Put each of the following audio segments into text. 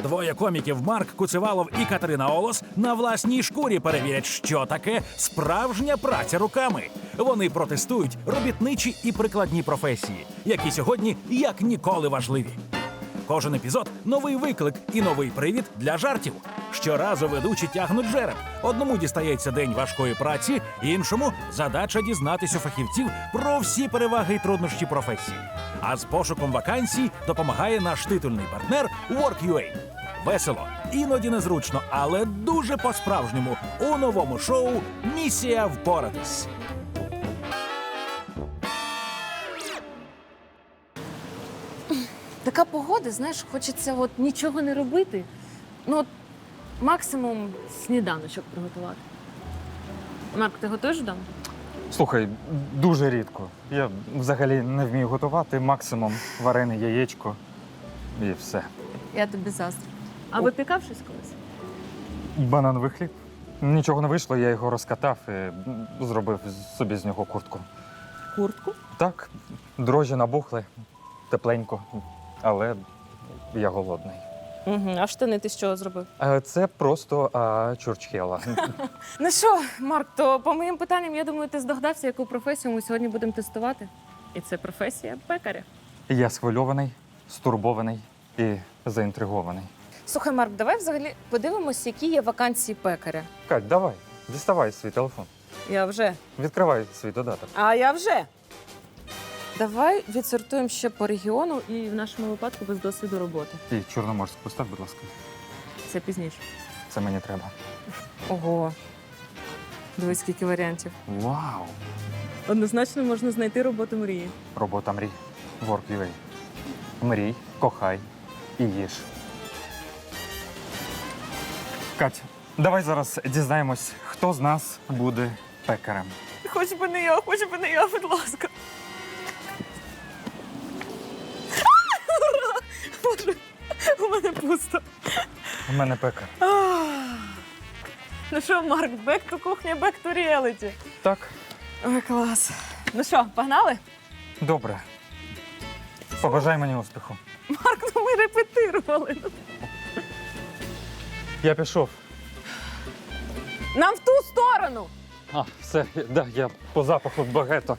Двоє коміків Марк Куцевалов і Катерина Олос на власній шкурі перевірять, що таке справжня праця руками. Вони протестують робітничі і прикладні професії, які сьогодні як ніколи важливі. Кожен епізод – новий виклик і новий привід для жартів. Щоразу ведучі тягнуть жереб. Одному дістається день важкої праці, іншому – задача дізнатись у фахівців про всі переваги і труднощі професії. А з пошуком вакансій допомагає наш титульний партнер Work.ua. Весело, іноді незручно, але дуже по-справжньому у новому шоу «Місія впоратись». Така погода, знаєш, хочеться от нічого не робити. Ну, от максимум сніданочок приготувати. Марк, ти готуєш вдома? Слухай, дуже рідко. Я взагалі не вмію готувати, максимум варене яєчко і все. Я тобі заздрю. А випікав щось колись? Банановий хліб. Нічого не вийшло, я його розкатав і зробив собі з нього куртку. Куртку? Так, дрожжі набухли, тепленько, але я голодний. Угу. А штани ти з чого зробив? Це просто чурчхела. Ну що, Марк, то по моїм питанням, я думаю, ти здогадався, яку професію ми сьогодні будемо тестувати. І це професія пекаря. Я схвильований, стурбований і заінтригований. Слухай, Марк, давай взагалі подивимося, які є вакансії пекаря. Кать, давай, діставай свій телефон. Я вже. Відкривай свій додаток. А я вже. Давай відсортуємо ще по регіону і в нашому випадку без досвіду роботи. І Чорноморськ постав, будь ласка. Це пізніше. Це мені треба. Ого. Дивись, скільки варіантів. Вау! Однозначно можна знайти роботу мрії. Робота мрій. Work.ua. Мрій, кохай і їж. Кать, давай зараз дізнаємось, хто з нас буде пекарем. Хоч би не я, будь ласка. Боже, у мене пусто. У мене пекар. Ну що, Марк, back to кухня, back to reality. Так, Ой, клас. Ну що, погнали? добре. Побажай мені успіху. Марк, ну ми репетирували. Я пішов. Нам в ту сторону. Все, да, я по запаху багето.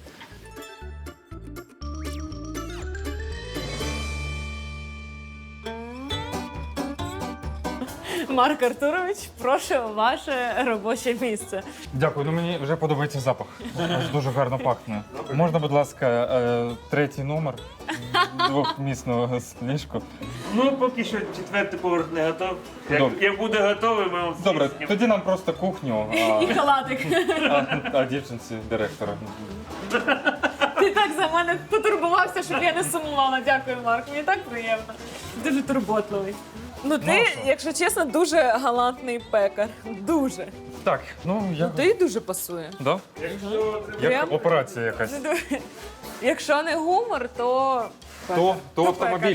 Марк Артурович, прошу ваше робоче місце. Дякую, ну мені вже подобається запах. Аж дуже гарно пахне. Можна, будь ласка, третій номер двохмісного ліжку? Ну, поки що четвертий поверх не готов. Добре. Як буде готовий, ми вам Добре, всі тоді нам просто кухню, І халатик. а дівчинці директора. Ти так за мене потурбувався, щоб я не сумувала. Дякую, Марк. Мені так приємно. Дуже турботливий. Ну ти, якщо чесно, дуже галантний пекар. Дуже. Так, ну я... Ти дуже пасує. Да? Прям? Як операція якась. Якщо не гумор, то... То автомобіль.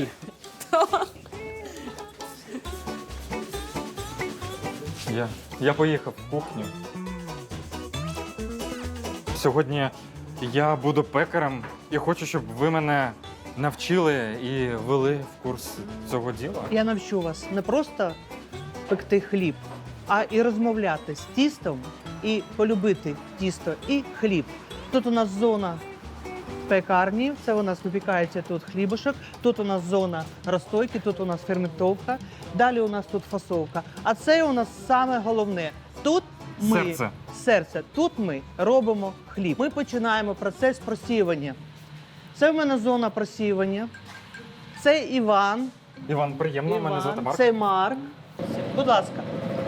Я поїхав в кухню. Сьогодні я буду пекарем і хочу, щоб ви мене навчили і ввели в курс цього діла. Я навчу вас не просто пекти хліб, а і розмовляти з тістом, і полюбити тісто і хліб. Тут у нас зона пекарні, це у нас випікається тут хлібушок, тут у нас зона розстойки, тут у нас ферментовка, далі у нас тут фасовка. А це у нас саме головне. Тут ми, серце, тут ми робимо хліб. Ми починаємо процес просіювання. Це в мене зона просіювання. Це Іван. Іван, приємно, мене звати Марк. Це Марк. Будь ласка,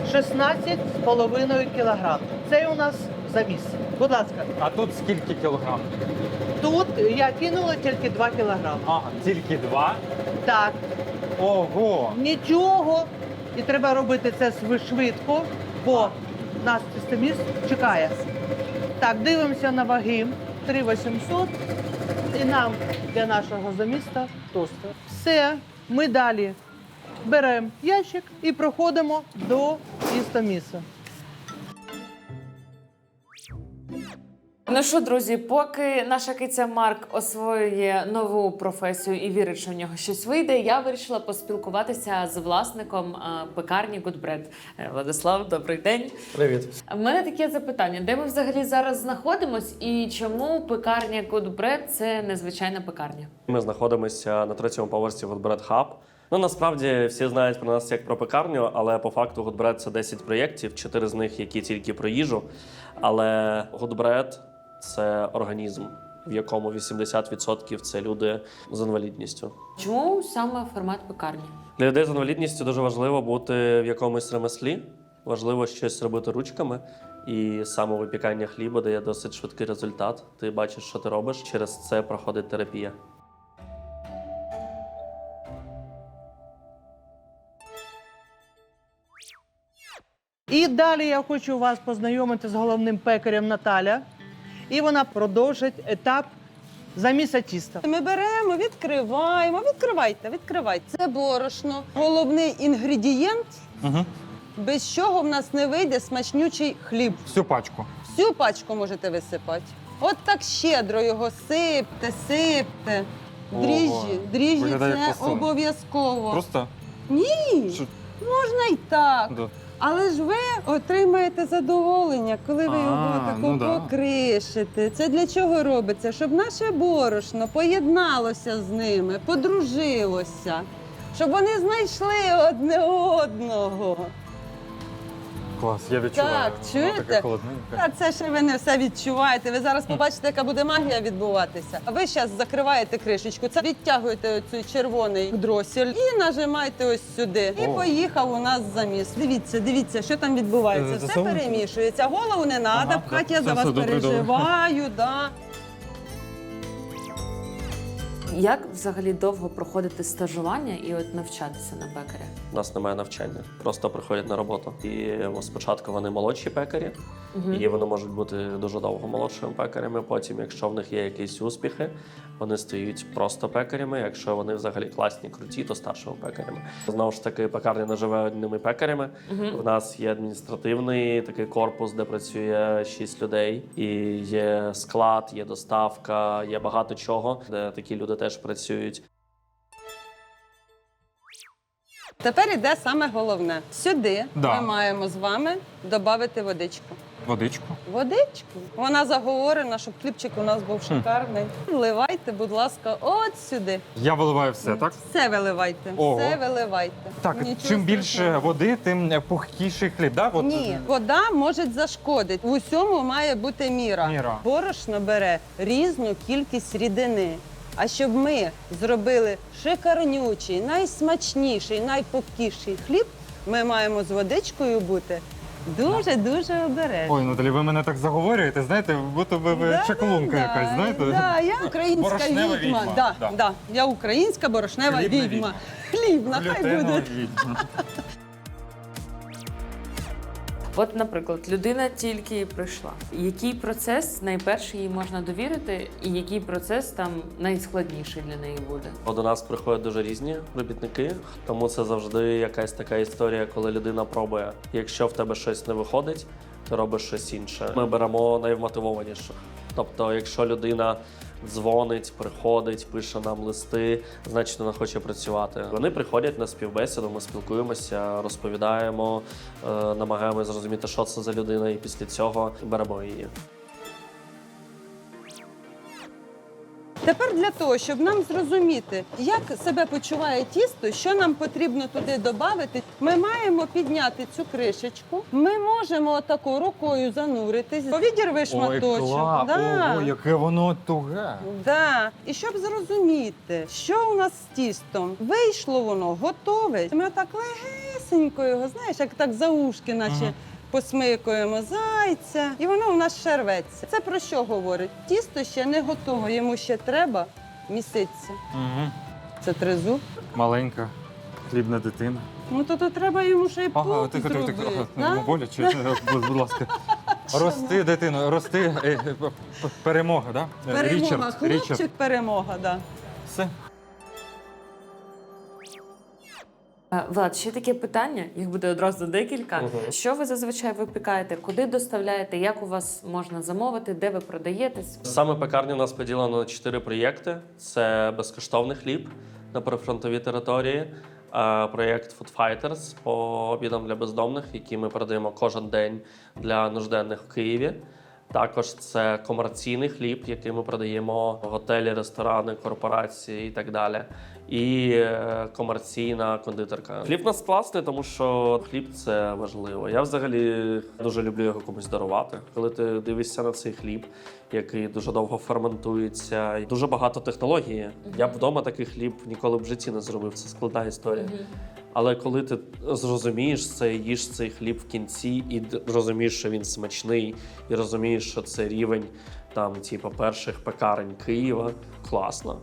16,5 кілограм. Це у нас заміс. Будь ласка. А тут скільки кілограм? Тут я кинула тільки 2 кілограми. Ага, тільки 2? Так, Ого! нічого. І треба робити це швидко, бо нас тістоміс чекає. Так, дивимося на ваги. 3,800. І нам для нашого заміста тостер. Все, ми далі беремо ящик і проходимо до тістоміса. Ну що, друзі, поки наша киця Марк освоює нову професію і вірить, що в нього щось вийде, я вирішила поспілкуватися з власником пекарні Good Bread. Владислав, добрий день. Привіт. У мене таке запитання: де ми взагалі зараз знаходимось і чому пекарня Good Bread – це незвичайна пекарня? Ми знаходимося на 3-му поверсі Good Bread Hub. Ну, насправді, всі знають про нас як про пекарню, але по факту Good Bread – це 10 проєктів, 4 з них, які тільки про їжу. Але Good Bread – це організм, в якому 80% – це люди з інвалідністю. Чому саме формат пекарні? Для людей з інвалідністю дуже важливо бути в якомусь ремеслі, важливо щось робити ручками. І саме випікання хліба дає досить швидкий результат. Ти бачиш, що ти робиш, через це проходить терапія. І далі я хочу вас познайомити з головним пекарем Наталя. І вона продовжить етап заміса тіста. Ми беремо, відкриваємо. Відкривайте. Це борошно. Головний інгредієнт, без чого в нас не вийде смачнючий хліб. Всю пачку. Всю пачку можете висипати. От так щедро його сипте. Дріжджі виглядає як це посол. обов'язково. Просто? Ні, Що? можна і так. Да. Але ж ви отримаєте задоволення, коли ви його тако ну да. покришите. Це для чого робиться? Щоб наше борошно поєдналося з ними, подружилося, щоб вони знайшли одне одного. Клас, я відчуваю. Так, Воно чуєте? таке холодненьке. А це ще ви не все відчуваєте. Ви зараз побачите, яка буде магія відбуватися. А ви зараз закриваєте кришечку, це відтягуєте оцей червоний дросіль і нажимаєте ось сюди. І О. поїхав у нас заміс. Дивіться, що там відбувається. Все Засовуєте? перемішується. Голову не треба Ага, пхати, я все, за вас все, добре, переживаю. Да. Як взагалі довго проходити стажування і от навчатися на пекаря? У нас немає навчання, просто приходять на роботу. І спочатку вони молодші пекарі, і вони можуть бути дуже довго молодшими пекарями. Потім, якщо в них є якісь успіхи, вони стають просто пекарями. Якщо вони взагалі класні, круті, то старшими пекарями. Знову ж таки, пекарня не живе одними пекарями. У нас є адміністративний такий корпус, де працює 6 людей. І є склад, є доставка, є багато чого, де такі люди теж працюють. Тепер іде саме головне. Сюди Да. ми маємо з вами додати водичку. Водичку. Водичку. Вона заговорена, щоб хлібчик у нас був шикарний. Вливайте, будь ласка, от сюди. Я виливаю все, так? Все виливайте. Ого. Все виливайте. Так, Нічого чим більше страшного. води, тим пухкіший хліб, так? От... Ні, вода може зашкодити. В усьому має бути міра. Міра. Борошно бере різну кількість рідини. А щоб ми зробили шикарнючий, найсмачніший, найпухкіший хліб, ми маємо з водичкою бути дуже-дуже обережні. Ой, Наталі, ви мене так заговорюєте, знаєте, будто ви чаклунка якась, знаєте? Да, я українська Борошнева відьма. Да, Да. да. Я українська борошнева Хлібна відьма. відьма. Хлібна, хай Глютенова буде. відьма. От, наприклад, людина тільки прийшла. Який процес найперший їй можна довірити, і який процес там найскладніший для неї буде? До нас приходять дуже різні робітники, тому це завжди якась така історія, коли людина пробує. Якщо в тебе щось не виходить, ти робиш щось інше. Ми беремо найвмотивованіших. Тобто, якщо людина дзвонить, приходить, пише нам листи, значить вона хоче працювати. Вони приходять на співбесіду, ми спілкуємося, розповідаємо, намагаємося зрозуміти, що це за людина, і після цього беремо її. Тепер для того, щоб нам зрозуміти, як себе почуває тісто, що нам потрібно туди додати, ми маємо підняти цю кришечку. Ми можемо отако рукою зануритись. Відірви Ой, шматочок. клас, Да. ого, яке воно туге. Да. І щоб зрозуміти, що у нас з тістом, вийшло воно готове. Ми отак легесенько його, знаєш, як так за ушки, наче посмикуємо зайця, і воно у нас ще рветься. Це про що говорить? Тісто ще не готове, йому ще треба міситися. Це тризуб. Маленька хлібна дитина. Ну то треба йому ще й Ага, пук тихо, зробити. да? Боляче, будь ласка. Рости, дитино, рости. Перемога, так? Да? Перемога, хлопчик, Річард. перемога, да. Все. Влад, ще таке питання, їх буде одразу декілька. Що ви зазвичай випікаєте? Куди доставляєте? Як у вас можна замовити? Де ви продаєтесь? Саме пекарня у нас поділена на 4 проєкти. Це безкоштовний хліб на прифронтовій території, проєкт Food Fighters по обідам для бездомних, які ми продаємо кожен день для нужденних в Києві. Також це комерційний хліб, який ми продаємо в готелі, ресторани, корпорації і так далі. І комерційна кондитерка. Хліб у нас класний, тому що хліб – це важливо. Я взагалі дуже люблю його комусь дарувати. Коли ти дивишся на цей хліб, який дуже довго ферментується, дуже багато технологій. Я б вдома такий хліб ніколи в житті не зробив. Це складна історія. Але коли ти зрозумієш це, їш цей хліб в кінці і розумієш, що він смачний, і розумієш, що це рівень там, типу, перших пекарень Києва, класно.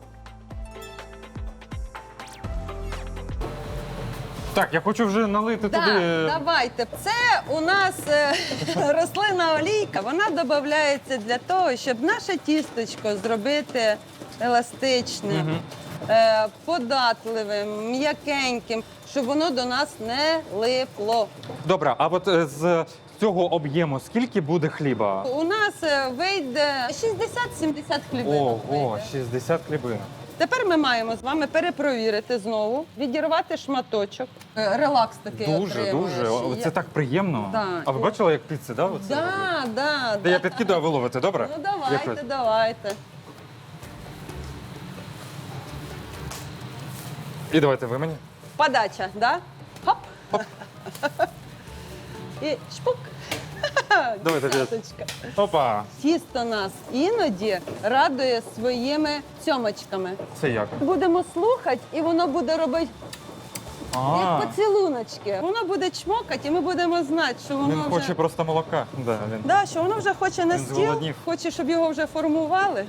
Так, я хочу вже налити Так, туди. давайте. Це у нас рослинна олійка. Вона додається для того, щоб наше тісточко зробити еластичним, податливим, м'якеньким, щоб воно до нас не липло. Добре, а от з цього об'єму скільки буде хліба? У нас вийде 60-70 хлібинок. Ого, вийде. 60 хлібинок. Тепер ми маємо з вами перепровірити знову, відірвати шматочок. Релакс такий Дуже, отримуєш. дуже. Це так приємно. Да. А ви бачили, як піци, да? Оце Да, роблять? да, Та я підкидаю, а ви ловите, добре? Ну Як давайте, ви? давайте. І давайте ви мені. Подача, да? Хоп. І шпук. Давайте. Десяточка. Опа. Тісто нас іноді радує своїми цьомочками. Це як? Будемо слухати, і воно буде робити як поцілуночки. Воно буде чмокати, і ми будемо знати, що воно Він вже... хоче просто молока. Да, він. Да, що воно вже хоче на Він стіл, зголоднів. хоче, щоб його вже формували.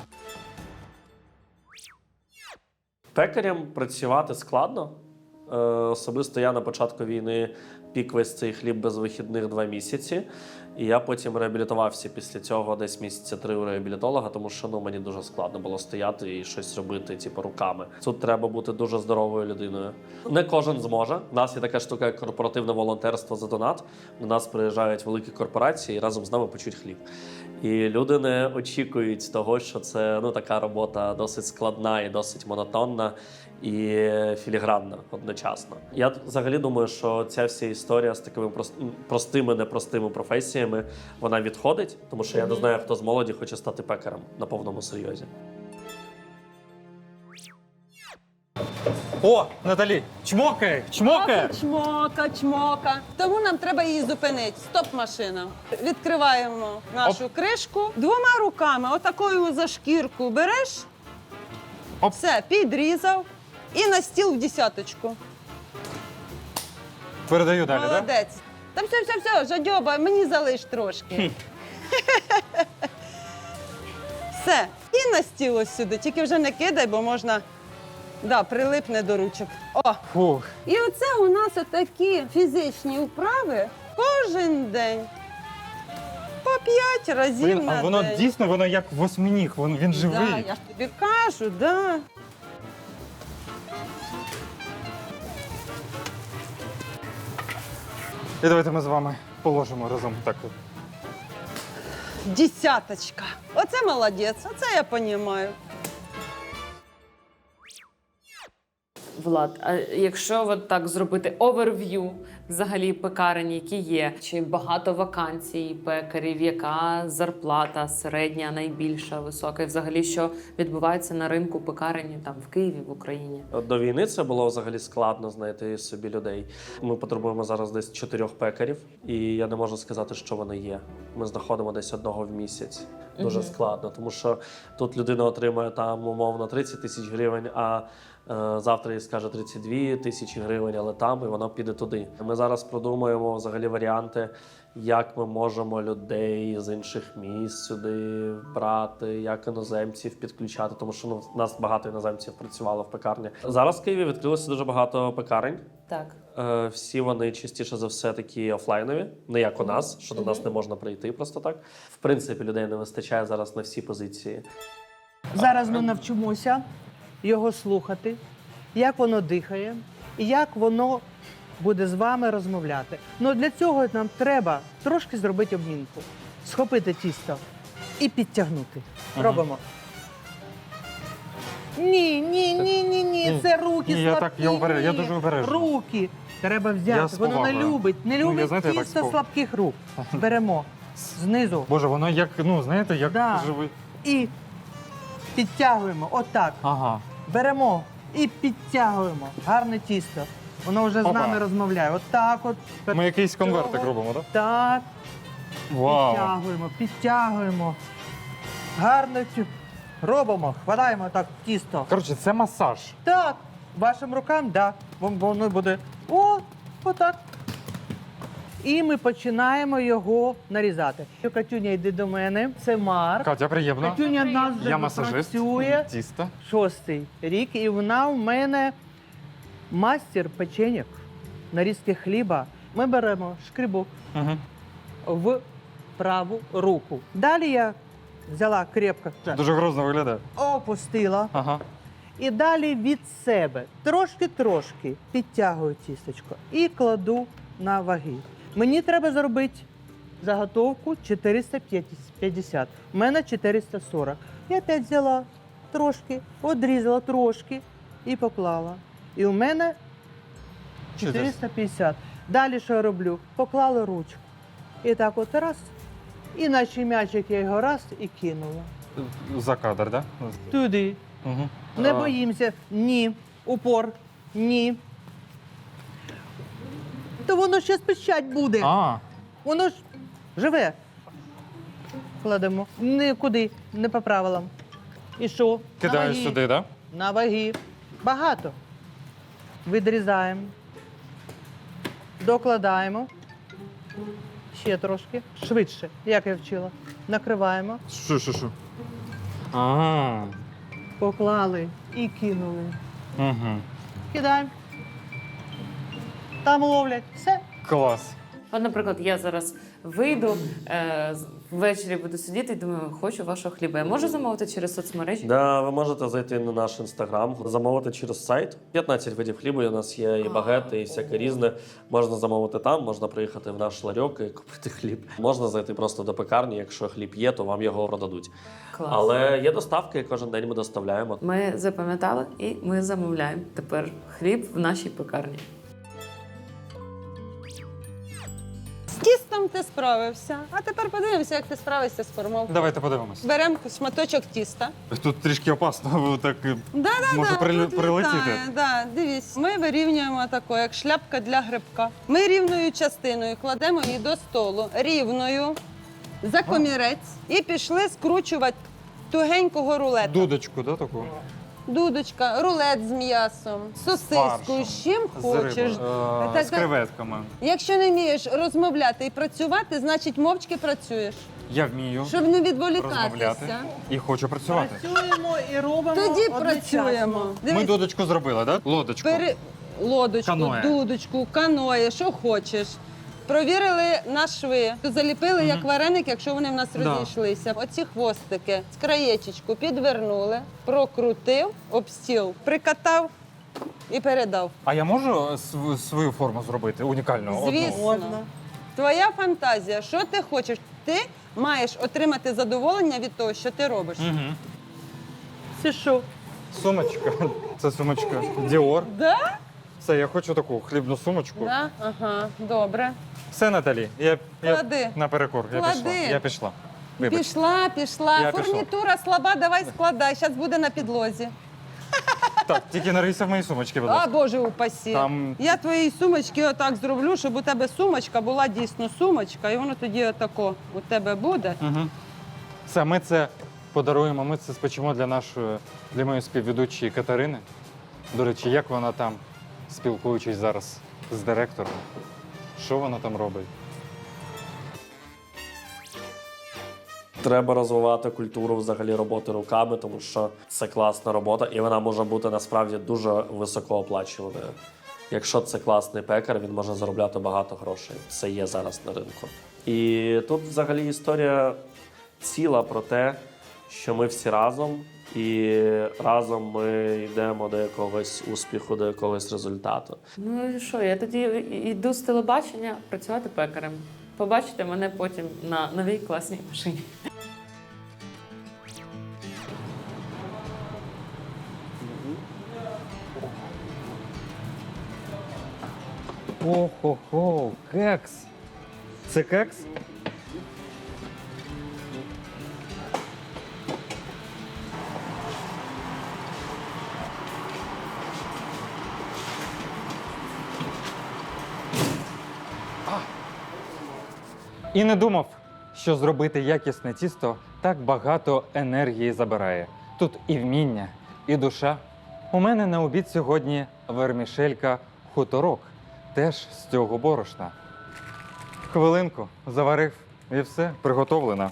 Пекарям працювати складно. Особисто я на початку війни пік весь цей хліб без вихідних 2 місяці. І я потім реабілітувався після цього десь місяця 3 у реабілітолога, тому що мені дуже складно було стояти і щось робити, типу, руками. Тут треба бути дуже здоровою людиною. Не кожен зможе. У нас є така штука, як корпоративне волонтерство за донат. До нас приїжджають великі корпорації і разом з нами печуть хліб. І люди не очікують того, що це така робота досить складна і досить монотонна і філігранна одночасно. Я взагалі думаю, що ця вся історія з такими простими, непростими професіями, вона відходить, тому що я не знаю, хто з молоді хоче стати пекарем на повному серйозі. О, Наталі, чмокай! Чмокай! Чмока, чмока. Тому нам треба її зупинити. Стоп, машина. Відкриваємо нашу кришку. 2 руками, отакою за шкірку береш. Оп. Все, підрізав. І на стіл в десяточку. Передаю далі, так? Да? Молодець. Та все, жадьоба, мені залиш трошки. Все. І на стіл ось сюди. Тільки вже не кидай, бо можна, прилипне до ручок. О! Фух. І оце у нас отакі фізичні вправи кожен день. По 5 разів Блін, на а воно день. дійсно, воно як восьминіг, він живий. Да, я ж тобі кажу, да. І давайте ми з вами положимо разом так. Десяточка. Оце молодець, оце я розумію. Влад, а якщо от так зробити оверв'ю взагалі пекарень, які є, чи багато вакансій пекарів, яка зарплата середня, найбільша, висока, і взагалі що відбувається на ринку пекарень там в Києві, в Україні? До війни це було взагалі складно знайти собі людей. Ми потребуємо зараз десь 4 пекарів, і я не можу сказати, що вони є. Ми знаходимо десь 1 в місяць. Дуже складно, тому що тут людина отримує там умовно 30 тисяч гривень, а завтра їй скаже 32 тисячі гривень, але там, і воно піде туди. Ми зараз продумуємо взагалі варіанти, як ми можемо людей з інших міст сюди брати, як іноземців підключати, тому що у нас багато іноземців працювало в пекарні. Зараз в Києві відкрилося дуже багато пекарень. Так. Всі вони частіше за все такі офлайнові, не як у нас, що до нас не можна прийти просто так. В принципі, людей не вистачає зараз на всі позиції. Зараз ми навчимося його слухати, як воно дихає, і як воно буде з вами розмовляти. Ну для цього нам треба трошки зробити обмінку. Схопити тісто і підтягнути. Робимо. Ні, це руки Ні, слабкі. я дуже обережно. Руки треба Я взяти, з воно не повагою. любить. Не Ну, я, любить знаєте, я так тісто з пов- слабких рук. Беремо знизу Боже, воно як, ну, знаєте, як Да. живий. і підтягуємо. Отак. Ага. Беремо і підтягуємо. Гарне тісто. Воно вже з Опа. нами розмовляє. Отак от. Ми якийсь конвертик Цього. робимо, так? Так. Вау. Підтягуємо. Гарно робимо, хватаємо так тісто. Коротше, це масаж. Так, вашим рукам, так. Да. Воно буде отак. І ми починаємо його нарізати. Катюня, йди до мене. Це Марк. Катя, приємно. Катюня в нас вже Я масажист. працює Тісто. 6-й рік, і вона в мене мастер печеньок, нарізки хліба. Ми беремо шкрібок Угу. в праву руку. Далі я взяла крепко, Дуже грозно виглядає. опустила. Ага. І далі від себе трошки підтягую тістечко і кладу на ваги. Мені треба зробити заготовку 450. У мене 440. Я опять взяла трошки, одрізала трошки і поклала. І у мене 450. Далі що я роблю? Поклала ручку. І так от раз. І наче м'ячик я його раз і кинула. За кадр, так? Туди. Угу. Не боїмося. Ні. Упор. Ні. То воно ще пищать буде. А, Воно ж живе. Кладемо. Нікуди, не по правилам. І що? кидаєш На ваги. сюди, так? На ваги. Багато. Відрізаємо. Докладаємо. Ще трошки. Швидше, як я вчила. Накриваємо. Що? Ага. Поклали і кинули. Угу. Кидаємо. Там ловлять. Все. Клас. От, наприклад, я зараз вийду, ввечері буду сидіти і думаю, хочу вашого хліба. Я можу замовити через соцмережі? Да, ви можете зайти на наш інстаграм, замовити через сайт. 15 видів хлібу у нас є, і багети, і всяке різне. Можна замовити там, можна приїхати в наш ларьок і купити хліб. Можна зайти просто до пекарні, якщо хліб є, то вам його продадуть. Клас. Але є доставки, кожен день ми доставляємо. Ми запам'ятали і ми замовляємо тепер хліб в нашій пекарні. З тістом ти справився. А тепер подивимося, як ти справишся з формовкою. Давайте подивимось. Беремо шматочок тіста. Тут трішки опасно, бо так може тут прилетіти. літає. Да, дивись, ми вирівнюємо тако, як шляпка для грибка. Ми рівною частиною кладемо її до столу, рівною, за комірець, і пішли скручувати тугенького рулета. Дудочку, да, таку? Дудочка, рулет з м'ясом, сосискою, Фаршем. з чим З хочеш. рибою. Так, З так. креветками. Якщо не вмієш розмовляти і працювати, значить мовчки працюєш, Я вмію щоб не розмовляти відволікатися. і хочу працювати. Працюємо і робимо. Тоді одночасно. працюємо. Ми Дивись, дудочку зробили, так? Лодочку. лодочку, Каное. дудочку, каное, що хочеш. Провірили на шви, заліпили як вареник, якщо вони в нас Да. розійшлися. Оці хвостики з краєчечку підвернули, прокрутив, об стіл, прикатав і передав. А я можу свою форму зробити унікальну? одну? Звісно. Можна. Твоя фантазія, що ти хочеш? Ти маєш отримати задоволення від того, що ти робиш. Мгм. Це що? Сумочка. Це сумочка Dior. Да? Все, я хочу таку хлібну сумочку. Да? Ага, добре. Все, Наталі, я Клади. наперекор. Я Клади. пішла. Я пішла. Вибач. Пішла. Я пішов. Фурнітура слаба, давай складай. Зараз буде на підлозі. Так, тільки не рийся в мої сумочки, будь А, ласка. Боже упасі. Там- Я твоїй сумочки отак зроблю, щоб у тебе сумочка була дійсно сумочка, і воно тоді отако у тебе буде. Угу. Все, ми це подаруємо, ми це спечемо для моєї співведучої Катерини. До речі, як вона там, спілкуючись зараз з директором, що вона там робить? Треба розвивати культуру взагалі роботи руками, тому що це класна робота, і вона може бути насправді дуже високооплачуваною. Якщо це класний пекар, він може заробляти багато грошей. Це є зараз на ринку. І тут взагалі історія ціла про те, що ми всі разом І разом ми йдемо до якогось успіху, до якогось результату. Ну і що, я тоді йду з телебачення працювати пекарем. Побачите мене потім на новій класній машині. Охо-хо, кекс. Це кекс? І не думав, що зробити якісне тісто так багато енергії забирає. Тут і вміння, і душа. У мене на обід сьогодні вермішелька хуторок, теж з цього борошна. Хвилинку заварив і все, приготовлено.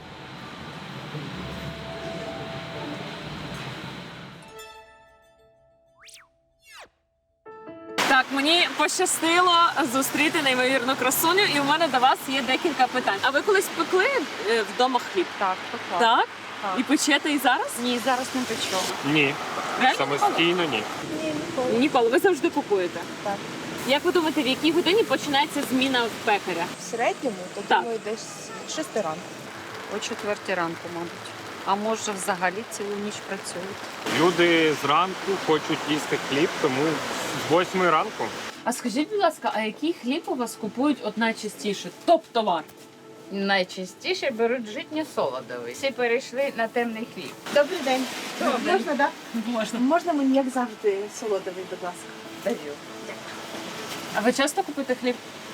Так, мені пощастило зустріти неймовірну красуню, і у мене до вас є декілька питань. А ви колись пекли вдома хліб? Так, пекла. Так? І печете і зараз? Ні, зараз не печу. Ні, Реально? самостійно ні. Ніколи. Ви завжди купуєте? Так. Як ви думаєте, в якій годині починається зміна в пекаря? В середньому, то Так. думаю, десь 6 ранку. О 4 ранку, мабуть. А може взагалі цілу ніч працюють. Люди зранку хочуть їсти хліб, тому з 8 ранку. А скажіть, будь ласка, а який хліб у вас купують от найчастіше? Топ-товар? Найчастіше беруть житньо-солодовий. Всі перейшли на темний хліб. Добрий день. Можна, так? Можна. Можна мені, як завжди, солодовий, будь ласка. Даю. А ви часто купуєте хліб?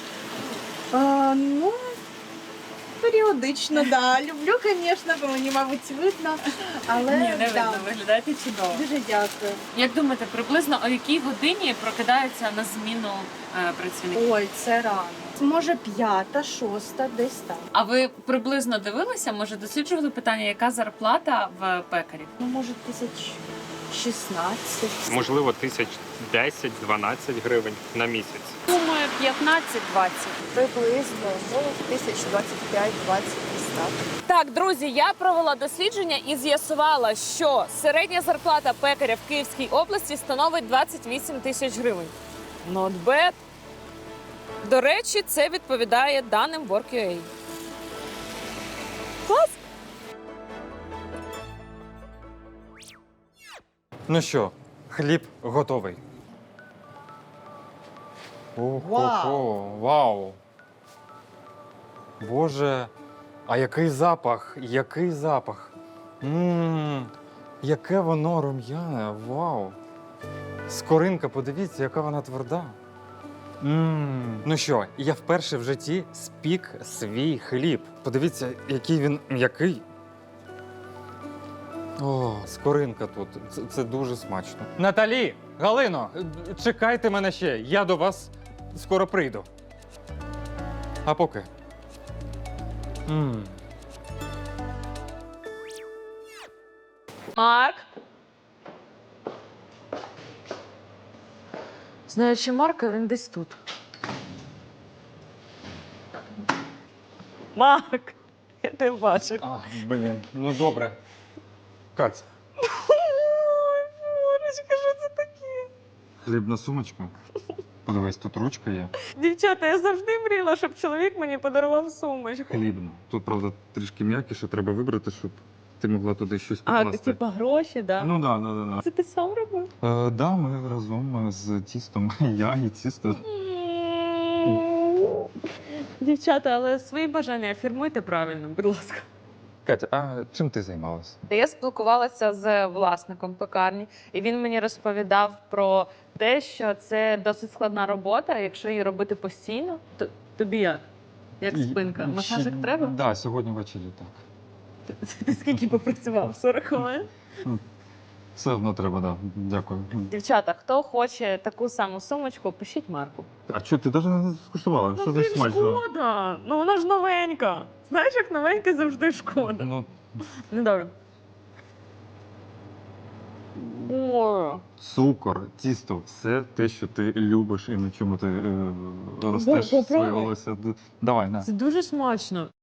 Ну, періодично, да. Люблю, звісно, бо мені, мабуть, видно. Але Ні, не да. видно, виглядаєте чудово. Дуже дякую. Як думаєте, приблизно о якій годині прокидається на зміну працівник? Ой, це рано. Може, 5-та, 6-та, десь там. А ви приблизно дивилися, може досліджували питання, яка зарплата в пекарів? Ну, може, 1016. Можливо, 1010-12 гривень на місяць. Думаю, 15-20. Приблизно, ну, 1025-20 десь так. Так, друзі, я провела дослідження і з'ясувала, що середня зарплата пекаря в Київській області становить 28 тисяч гривень. Not bad. До речі, це відповідає даним Work.ua. Клас! Ну що, хліб готовий. Ого, вау! Боже, а який запах, який запах. Яке воно рум'яне, вау! Скоринка, подивіться, яка вона тверда. Ну що, я вперше в житті спік свій хліб. Подивіться, який він м'який. О, скоринка тут. Це дуже смачно. Наталі, Галино, чекайте мене ще. Я до вас скоро прийду. А поки. Марк? Знаючи Марка, він десь тут. Марк, я тебе бачу. Блін, ну добре. Каць. Марочка, що це таке? Хлібна сумочка. Подивись, тут ручка є. Дівчата, я завжди мріяла, щоб чоловік мені подарував сумочку. Хлібна. Тут, правда, трішки м'якіше, треба вибрати, щоб ти могла туди щось А, покласти. типа гроші, да? Ну так, да. Це ти сам робив? Да, ми разом з тістом. Я і тісто. Дівчата, але свої бажання фірмуйте правильно, будь ласка. Катя, а чим ти займалася? Я спілкувалася з власником пекарні, і він мені розповідав про те, що це досить складна робота. Якщо її робити постійно, то тобі як? Як спинка? Масажик треба? Так, да, сьогодні ввечері так. Ти скільки попрацював? 40 хвилин? Все одно треба, так. Да. Дякую. Дівчата, хто хоче таку саму сумочку, пишіть Марку. А що, ти навіть не скуштувала? Що за смачно? шкода! Ну вона ж новенька. Знаєш, як новенька завжди шкода. Ну, Ну добре. О, цукор, тісто, все те, що ти любиш і на чому ти ростеш попробуй. своє волосся. Давай, на. це дуже смачно.